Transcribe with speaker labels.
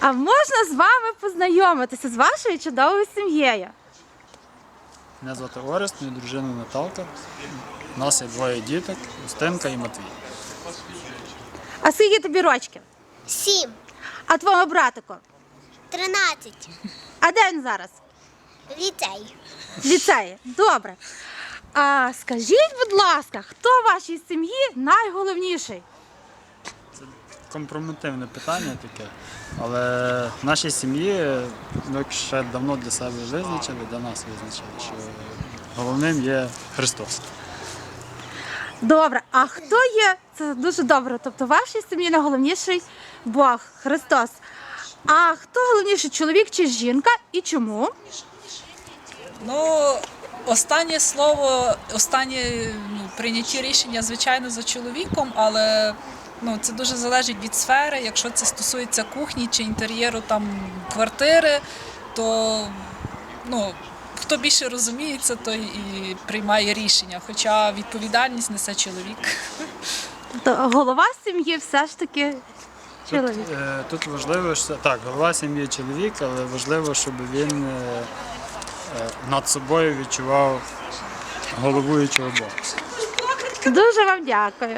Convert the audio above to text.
Speaker 1: А можна з вами познайомитися з вашою чудовою сім'єю?
Speaker 2: Мене звати Орест, моя дружина Наталка. У нас є двоє діток, Устинка і Матвій.
Speaker 1: А скільки тобі рочків?
Speaker 3: 7,
Speaker 1: А твого братику?
Speaker 3: 13,
Speaker 1: А де він зараз?
Speaker 3: ліцей.
Speaker 1: В ліцеї. Добре. А скажіть, будь ласка, хто в вашій сім'ї найголовніший?
Speaker 2: Це компрометивне питання таке, але в нашій сім'ї ми ще давно для себе визначили, для нас визначили, що головним є Христос.
Speaker 1: Добре, а хто є? Це дуже добре. Тобто в вашій сім'ї найголовніший Бог, Христос. А хто головніший, чоловік чи жінка і чому?
Speaker 4: Ну, останнє слово, останнє прийняті рішення, звичайно, за чоловіком, але це дуже залежить від сфери. Якщо це стосується кухні чи інтер'єру квартири, то хто більше розуміється, той і приймає рішення, хоча відповідальність несе чоловік.
Speaker 1: Тобто голова сім'ї все ж таки чоловік.
Speaker 2: Тут важливо, що так, голова сім'ї чоловік, але важливо, щоб він над собою відчував головуючого Бога.
Speaker 1: Дуже вам дякую.